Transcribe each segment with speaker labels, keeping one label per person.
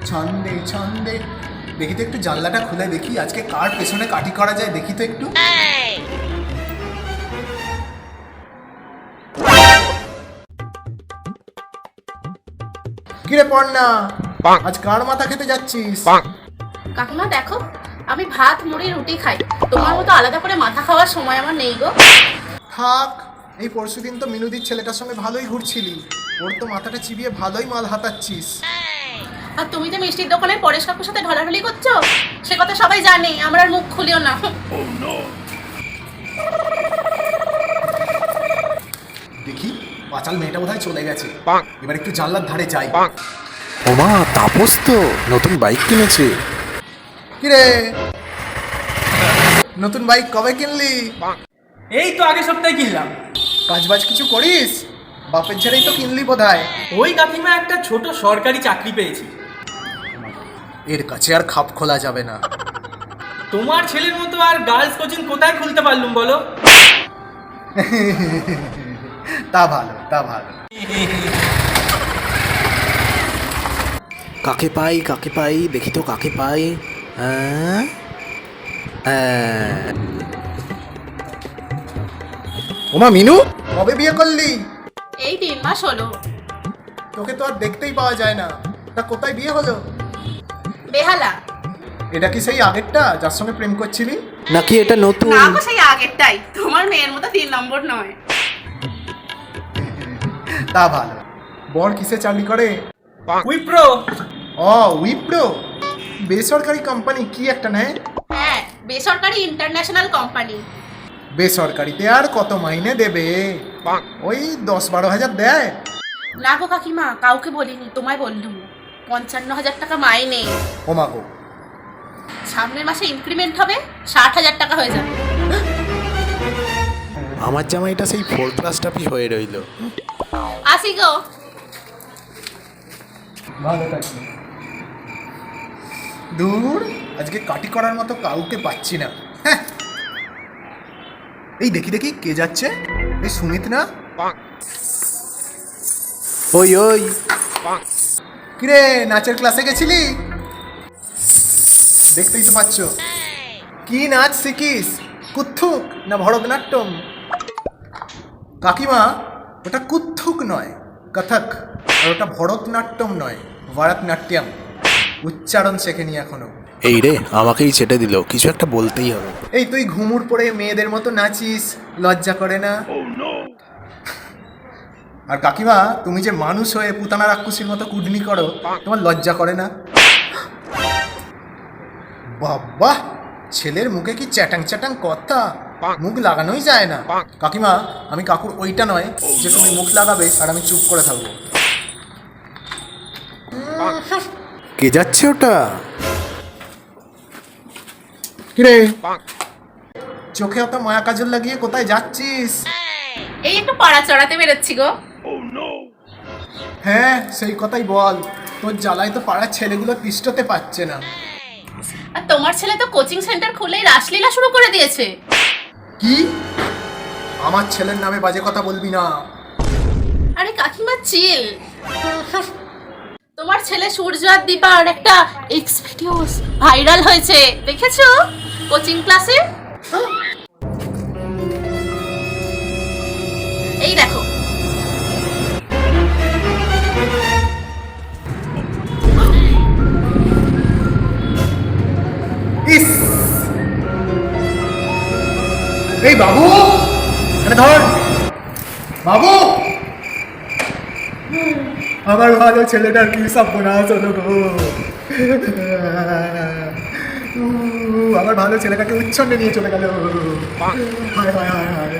Speaker 1: ছন্দে ছন্দে। দেখি তো একটু জানলাটা খুলে দেখি আজকে কার পেছনে কাটি করা যায়, দেখি তো একটু। কিরে পড়না, আজ কার মাথা খেতে যাচ্ছিস?
Speaker 2: কাকিমা দেখো, আমি ভাত মুড়ি রুটি খাই, তোমার মতো আলাদা করে মাথা খাওয়ার সময় আমার নেই গো।
Speaker 1: থাক, এই পরশুদিন তো মিনুদির ছেলেটার সঙ্গে ভালোই ঘুরছিলি, ওর তো মাথাটা চিবিয়ে ভালোই মাল হাতাচ্ছিস।
Speaker 2: আর তুমি যে মিষ্টির দোকানে পরেশ কাকুর সাথে ঢলাঢলি করছো, সে কথা সবাই জানে, আমার আর মুখ খুলিও না।
Speaker 1: দেখি পাঁচাল মেয়েটা বোধহয় চলে গেছে, এবার একটু জানলার ধারে যাই।
Speaker 3: ওমা, তাপস তো নতুন বাইক কিনেছে।
Speaker 1: কিরে, নতুন বাইক কবে কিনলি?
Speaker 4: এই তো আগের সপ্তাহে কিনলাম।
Speaker 1: কাজ বাজ কিছু করিস? বাপের ছেড়েই তো কিনলি বোধহয়।
Speaker 4: ওই কাকিমা একটা ছোট সরকারি চাকরি পেয়েছি।
Speaker 1: এর কাছে আর খাপ খোলা যাবে না।
Speaker 4: তোমার ছেলের মতো আর গার্লস কোচিং কোথায় খুলতে পারলুম বলো?
Speaker 1: তা ভালো, তা ভালো।
Speaker 3: কাকে পাই দেখি তো কাকে পাই।
Speaker 1: ওমা মিনু, কবে বিয়ে করলি?
Speaker 2: এই 3 মাস হলো।
Speaker 1: তোকে তো আর দেখতেই পাওয়া যায় না, তা কোথায় বিয়ে হলো?
Speaker 2: বেহালা।
Speaker 1: এটা কি সেই আগেরটা যার সঙ্গে প্রেম করছিলি?
Speaker 3: নাকি এটা নতুন?
Speaker 2: না গো, সেই আগেরটাই, তোমার মেয়ের মতো 3 নম্বর নয়।
Speaker 1: তা ভালো। বর কিসে চাকরি করে?
Speaker 4: উইপ্রো।
Speaker 1: ও উইপ্রো, বেসরকারি কোম্পানি কি একটা নেয়?
Speaker 2: হ্যাঁ, বেসরকারি ইন্টারন্যাশনাল কোম্পানি।
Speaker 1: বেসরকারিতে আর কত মাইনে দেবে? ওই 10-12 হাজার দেয়।
Speaker 2: না গো কাকিমা, কাউকে বলিনি, তোমায় বললুম। 55,000 টাকা মাইনে।
Speaker 1: ওমা গো,
Speaker 2: সামনের মাসে ইনক্রিমেন্ট হবে, 60,000 টাকা হয়ে যাবে।
Speaker 3: আমার জামাইটা সেই 4 ক্লাস টাপি হয়ে রইল।
Speaker 2: আসি গো।
Speaker 1: ভালো থাকি। দূর, আজকে কাটি করার মতো কাউকে পাচ্ছি না। হ্যাঁ, এই দেখি দেখি কে যাচ্ছে? এই সুমিত না?
Speaker 3: ওই ওই,
Speaker 1: কিরে, নাচের ক্লাসে গেছিলি? দেখতেই তো পাচ্ছ। কি নাচ শিখিস? কুত্থুক না ভরতনাট্যম? কাকিমা, ওটা কুত্থুক নয়, কথক। আর ওটা ভরতনাট্যম নয়, ভরতনাট্যম। উচ্চারণ শেখেনি এখনো।
Speaker 3: এই রে, আমাকেই ছেটে দিল, কিছু একটা বলতেই হবে।
Speaker 1: এই তুই ঘুমুর পরে মেয়েদের মতো নাচিস, লজ্জা করে না? আর কাকিমা, তুমি যে মানুষ হয়ে পুতানা রাক্ষসীর মতো কুডনি করো, তোমার লজ্জা করে না? বাবা, ছেলের মুখে কি চ্যাটাং চ্যাটাং কথা, মুখ লাগানোই যায় না। কাকিমা, আমি কাকুর ওইটা নয় যে তুমি মুখ লাগাবে আর আমি চুপ করে থাকবো।
Speaker 3: কে যাচ্ছে ওটা?
Speaker 1: কিরে, চোখে অত মায়া কাজল লাগিয়ে কোথায় যাচ্ছিস?
Speaker 2: এই একটু পাড়া চড়াতে বেরোচ্ছি গো।
Speaker 1: হ্যাঁ, সেই কথাই বল। তোর জ্বালায় তো পাড়ার ছেলেগুলো তিষ্ঠতে পারছে না।
Speaker 2: আর তোমার ছেলে তো কোচিং সেন্টার খুলেই রাসলীলা শুরু করে দিয়েছে।
Speaker 1: কি? আমার ছেলের নামে বাজে কথা বলবি না।
Speaker 2: আরে কাকিমা চিল। তোমার ছেলে সূর্য আর দীপার একটা এক্স ভিডিওস ভাইরাল হয়েছে, দেখেছো? কোচিং ক্লাসে। এই দেখো।
Speaker 1: ইস, এই বাবু, এখানে ধর। বাবু, আমার ভালো ছেলেটার কি সর্বনাশ হলো গো। আমার ভালো ছেলেটাকে উচ্ছন্নে নিয়ে চলে গেল। হায় হায় হায় হায়।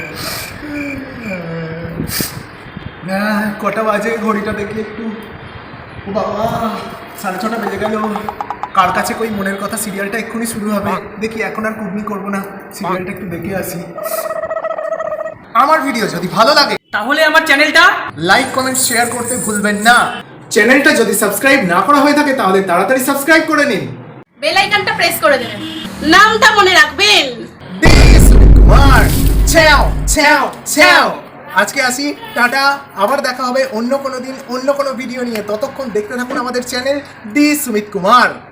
Speaker 1: কটা বাজে ঘড়িটা দেখি একটু। ও বাবা, 6:30 বেজে গেল। কার কাছে কই মনের কথা সিরিয়ালটা এক্ষুনি শুরু হবে। দেখি, এখন আর কুটনি করবো না, সিরিয়ালটা একটু দেখে আসি। আমার ভিডিও যদি ভালো লাগে
Speaker 4: তাহলে আমার চ্যানেলটা
Speaker 1: লাইক কমেন্ট শেয়ার করতে ভুলবেন না। চ্যানেলটা যদি সাবস্ক্রাইব না করা হয়ে থাকে তাহলে তাড়াতাড়ি সাবস্ক্রাইব করে নিন।
Speaker 2: বেল আইকনটা প্রেস করে দেবেন, নামটা মনে রাখবেন।
Speaker 1: কুমার, ছ্যাও ছ্যাও ছ্যাও। আজকে আসি, টাটা। আবার দেখা হবে অন্য কোনো দিন অন্য কোনো ভিডিও নিয়ে। ততক্ষণ দেখতে থাকুন আমাদের চ্যানেল ডি সুমিত কুমার।